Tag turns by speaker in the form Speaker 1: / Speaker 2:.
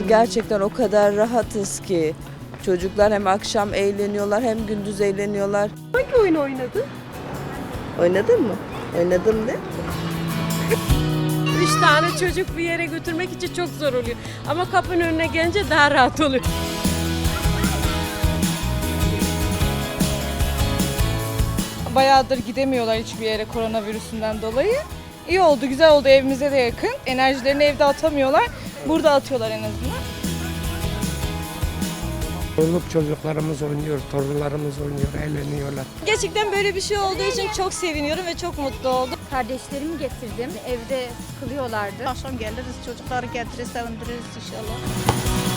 Speaker 1: gerçekten o kadar rahatız ki. Çocuklar hem akşam eğleniyorlar hem gündüz eğleniyorlar.
Speaker 2: Hangi oyun oynadın?
Speaker 1: Oynadın mı? Oynadım de.
Speaker 2: 3 tane çocuk bir yere götürmek için çok zor oluyor. Ama kapının önüne gelince daha rahat oluyor.
Speaker 3: Bayağıdır gidemiyorlar hiçbir yere koronavirüsünden dolayı. İyi oldu, güzel oldu, evimize de yakın. Enerjilerini evde atamıyorlar, burada atıyorlar en azından.
Speaker 4: Çoluk çocuklarımız oynuyor, torunlarımız oynuyor, eğleniyorlar.
Speaker 5: Gerçekten böyle bir şey olduğu için çok seviniyorum ve çok mutlu oldum.
Speaker 6: Kardeşlerimi getirdim. Evde sıkılıyorlardı.
Speaker 5: Akşam geliriz, çocukları getiririz, sevindiririz inşallah.